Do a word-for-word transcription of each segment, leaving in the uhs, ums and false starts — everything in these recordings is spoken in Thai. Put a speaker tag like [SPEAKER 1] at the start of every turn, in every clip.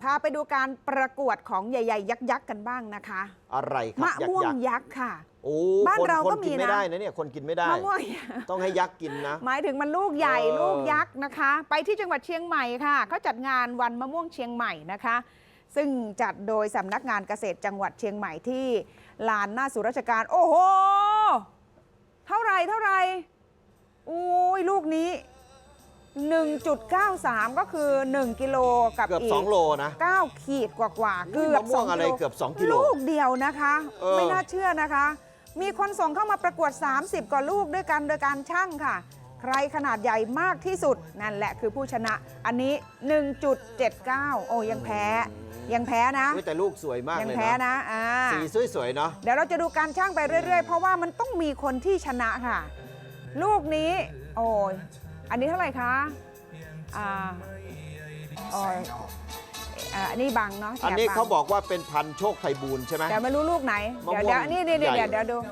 [SPEAKER 1] พาไปดูการประกวดของใหญ่ๆยักษ์ๆกันบ้างนะคะ
[SPEAKER 2] อะไรครับ
[SPEAKER 1] มะม่วงยักษ์ค่ะ
[SPEAKER 2] โอ้
[SPEAKER 1] บ้านเราก็มีนะ
[SPEAKER 2] คนกินไม่ได้นะเนี่ยคนกินไม่ได้
[SPEAKER 1] มะม่วง
[SPEAKER 2] ต้องให้ยักษ์กินนะ
[SPEAKER 1] หมายถึงมันลูกใหญ่ลูกยักษ์นะคะไปที่จังหวัดเชียงใหม่ค่ะเขาจัดงานวันมะม่วงเชียงใหม่นะคะซึ่งจัดโดยสำนักงานเกษตรจังหวัดเชียงใหม่ที่ลานหน้าศูนย์ราชการโอ้โหเท่าไรเท่าไรอุ้ยลูกนี้ หนึ่งจุดเก้าสาม ก็คือหนึ่งกิโลกับ
[SPEAKER 2] เกือบ
[SPEAKER 1] อีก
[SPEAKER 2] สองโลนะ
[SPEAKER 1] เก้าขีดกว่าๆเกือบ
[SPEAKER 2] สองกิโลเกือบสองกิโล
[SPEAKER 1] ลูกเดียวนะคะไม่น่าเชื่อนะคะมีคนส่งเข้ามาประกวดสามสิบกว่าลูกด้วยกันโดยการชั่งค่ะใครขนาดใหญ่มากที่สุดนั่นแหละคือผู้ชนะอันนี้ หนึ่งจุดเจ็ดเก้า โอ้ยังแพ้ยังแพ้นะ
[SPEAKER 2] แต่ลูกสวยมากเลยนะ
[SPEAKER 1] ยังแพ้นะ
[SPEAKER 2] สีสวยๆเนาะ
[SPEAKER 1] เดี๋ยวเราจะดูการชั่งไปเรื่อยๆเพราะว่ามันต้องมีคนที่ชนะค่ะลูกนี้โอ้ยอันนี้เท่าไหร่คะอ่าอ๋ออันนี้บังเนาะ
[SPEAKER 2] อันนี้เขาบอกว่าเป็นพันโชคไพบูลย์ใช่ไหม
[SPEAKER 1] แต่ไม่รู้ลูกไหนเดี๋ยวเดี๋ยวนี่นี่เดี๋ยวเดี๋ยวดู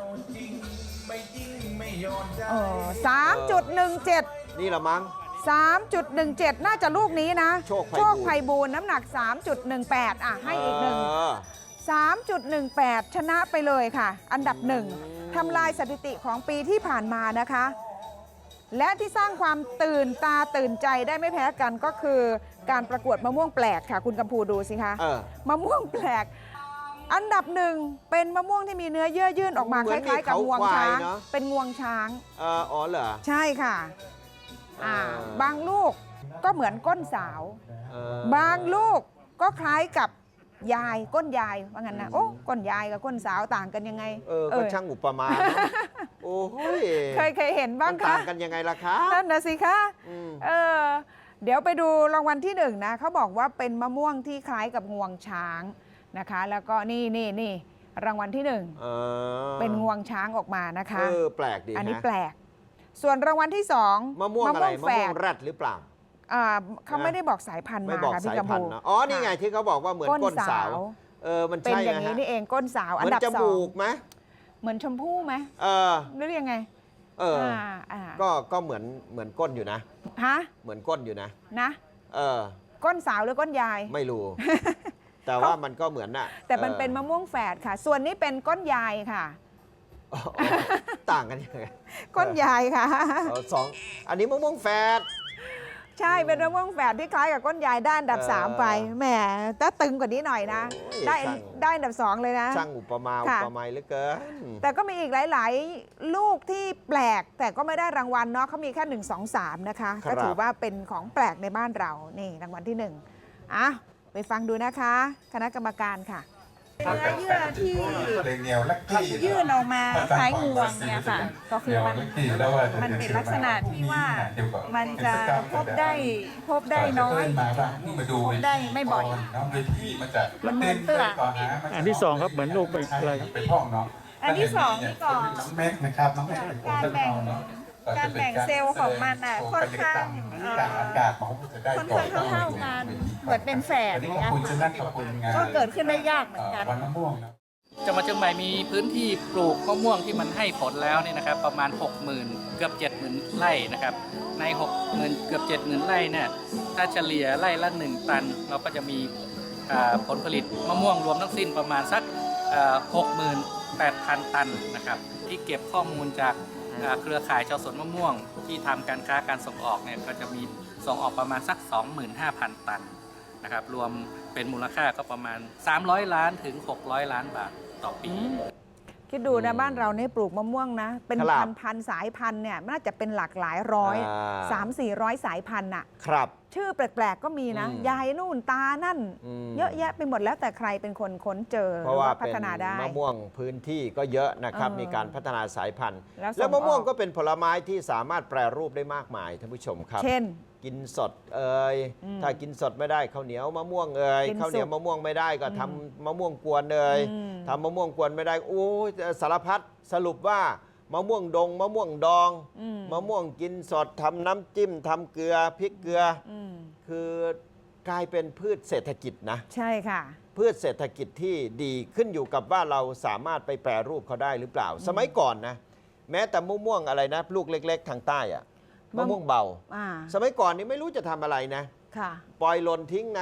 [SPEAKER 1] สามจุดหนึ่งเจ็ด
[SPEAKER 2] นี่ละมั้ง
[SPEAKER 1] สามจุดหนึ่งเจ็ดน่าจะลูกนี้นะ
[SPEAKER 2] โชค
[SPEAKER 1] ไพบูลย์น้ำหนัก สามจุดหนึ่งแปด อ่ะให้อีกหนึ่ง สามจุดหนึ่งแปด ชนะไปเลยค่ะอันดับหนึ่งทำลายสถิติของปีที่ผ่านมานะคะและที่สร้างความตื่นตาตื่นใจได้ไม่แพ้กันก็คือการประกวดมะม่วงแปลกค่ะคุณกำพูดูสิคะมะม่วงแปลกอันดับหนึ่งเป็นมะม่วงที่มีเนื้อเยื่อยื่นออกมาคล้ายๆกับงวงช้างเป็นงวงช้าง
[SPEAKER 2] อ๋อเหรอ
[SPEAKER 1] ใช่ค่ะอ่าบางลูกก็เหมือนก้นสาวบางลูกก็คล้ายกับยายก้นยายว่างั้นนะโอ้ก้นยายกับก้นสาวต่างกันยังไง
[SPEAKER 2] เออก็ช่างอุปมาโอ้ย
[SPEAKER 1] เคยเคยเห็นบ้างคะ
[SPEAKER 2] ต่างกันยังไงล่ะคะ
[SPEAKER 1] นั่นนะสิคะเออเดี๋ยวไปดูรางวัลที่หนึ่งนะเขาบอกว่าเป็นมะม่วงที่คล้ายกับงวงช้างนะคะแล้วก็นี่นี่นี่รางวัลที่หนึ่งเป็นงวงช้างออกมานะคะ
[SPEAKER 2] เออแปลกดี
[SPEAKER 1] อันนี้แปลกส่วนรางวัลที่สอง
[SPEAKER 2] มะม่วงอะไรมะม่วงแรดหรือเปล่า
[SPEAKER 1] เขาไม่ได้บอกสายพันธุ์มาค่ะพี่กำพู
[SPEAKER 2] อ๋อนี่ไงที่เขาบอกว่าเหมือนก้นสาวเออมัน
[SPEAKER 1] เป็นอย่างนี้นี่เองก้นสาวอันดับสอง
[SPEAKER 2] เหมือนจมูกไหม
[SPEAKER 1] เหมือนชมพู่ไหม
[SPEAKER 2] เออ
[SPEAKER 1] หรือยังไง
[SPEAKER 2] เออก็ก็เหมือนเหมือนก้นอยู่นะ
[SPEAKER 1] ฮะ
[SPEAKER 2] เหมือนก้นอยู่นะ
[SPEAKER 1] นะ
[SPEAKER 2] เออ
[SPEAKER 1] ก้นสาวหรือก้นยาย
[SPEAKER 2] ไม่รู้แต่ว่ามันก็เหมือนน่ะ
[SPEAKER 1] แต่มันเป็นมะม่วงแฝดค่ะส่วนนี้เป็นก้นยายค่ะ
[SPEAKER 2] ต่างกันยังไง
[SPEAKER 1] ก้นยายค่ะ
[SPEAKER 2] สองอันนี้มะม่วงแฝด
[SPEAKER 1] ใช่เป็นมะม่วงแฝดที่คล้ายกับก้นยายด้านดับสามไปแหมถ้าตึงกว่านี้หน่อยนะได้ได้ดับสองเลยนะ
[SPEAKER 2] ช่างอุปมาอุปไมยเหลือเกิน
[SPEAKER 1] แต่ก็มีอีกหลายๆลูกที่แปลกแต่ก็ไม่ได้รางวัลเนาะเขามีแค่หนึ่งสองสามนะคะก็ถือว่าเป็นของแปลกในบ้านเรานี่รางวัลที่หนึ่งอ่ะไปฟังดูนะคะคณะกรรมการค่ะ
[SPEAKER 3] เนื้อเยื่อที่ยื่นออกมาคล้ายงวงเนี่ยค่ะก็คือมันมันเป็นลักษณะที่ว่ามันจะพบได้พบได้น้อยพบได้ไม่บ่อยมันเหมือนเปลือก
[SPEAKER 4] อันที่สองครับเหมือนลูกเป็นอะไร
[SPEAKER 3] อันที่สองนี่ก่อนการแบ่งการแบ่งเซลล์ของมันอ่ะค่อนข้างค่อนข้างเท่าๆกันเหมือนเป็นแฝดเนี่ยก็เกิดขึ้นได้ยากเหมือนกัน
[SPEAKER 5] จังหวัดเชียงใหม่มีพื้นที่ปลูกมะม่วงที่มันให้ผลแล้วเนี่ยนะครับประมาณ หกหมื่น เกือบ เจ็ดหมื่น ไร่นะครับใน หกหมื่น เกือบ เจ็ดหมื่น ไร่เนี่ยถ้าเฉลี่ยไร่ละหนึ่งตันเราก็จะมีผลผลิตมะม่วงรวมทั้งสิ้นประมาณสัก หกหมื่นแปดพัน ตันนะครับที่เก็บข้อมูลจากเครือข่ายชาวสวนมะม่วงที่ทำการค้าการส่งออกเนี่ยก็จะมีส่งออกประมาณสัก สองหมื่นห้าพัน ตันนะครับรวมเป็นมูลค่าก็ประมาณสามร้อยล้านถึงหกร้อยล้านบาทต่อปี
[SPEAKER 1] คิดดูนะบ้านเราเนี่ยปลูกมะม่วงนะเป็นพันพันสายพันธุ์เนี่ยน่าจะเป็นหลากหลายร้อยสามสี่ร้อยสายพันธุ์น่ะ
[SPEAKER 2] ครับ
[SPEAKER 1] ชื่อแปลกๆก็มีนะยายนู่นตานั่นเยอะแยะไปหมดแล้วแต่ใครเป็นคนค้นเจอ
[SPEAKER 2] เพราะว่าพัฒนาได้มะม่วงพื้นที่ก็เยอะนะครับมีการพัฒนาสายพันธุ์แล้วมะม่วงก็เป็นผลไม้ที่สามารถแปรรูปได้มากมายท่านผู้ชมครับ
[SPEAKER 1] เช่น
[SPEAKER 2] กินสดเอ่ยถ้ากินสดไม่ได้ข้าวเหนียวมะม่วงเอ่ยข้าวเหนียวมะม่วงไม่ได้ก็ทำมะม่วงกวนเอ่ยทำมะม่วงกวนไม่ได้โอ้สารพัดสรุปว่ามะม่วงดงมะม่วงดองมะม่วงกินสดทำน้ำจิ้มทำเกลือพริกเกลือคือกลายเป็นพืชเศรษฐกิจนะ
[SPEAKER 1] ใช่ค่ะ
[SPEAKER 2] พืชเศรษฐกิจที่ดีขึ้นอยู่กับว่าเราสามารถไปแปรรูปเขาได้หรือเปล่าสมัยก่อนนะแม้แต่มะม่วงอะไรนะลูกเล็กๆทางใต้อะมะม่วงเบาสมัยก่อนนี้ไม่รู้จะทำอะไรนะปล่อยหล่นทิ้งนะ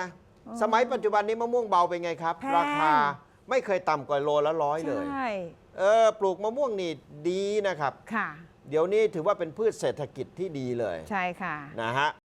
[SPEAKER 2] สมัยปัจจุบันนี้มะม่วงเบาเป็นไงครับ
[SPEAKER 1] แพง
[SPEAKER 2] ราคาไม่เคยต่ำกว่าโลละร้อยเลย
[SPEAKER 1] ใช่
[SPEAKER 2] เออปลูกมะม่วงนี่ดีนะครับ
[SPEAKER 1] ค่ะ
[SPEAKER 2] เดี๋ยวนี้ถือว่าเป็นพืชเศรษฐกิจที่ดีเลย
[SPEAKER 1] ใช่ค่ะ
[SPEAKER 2] นะฮะ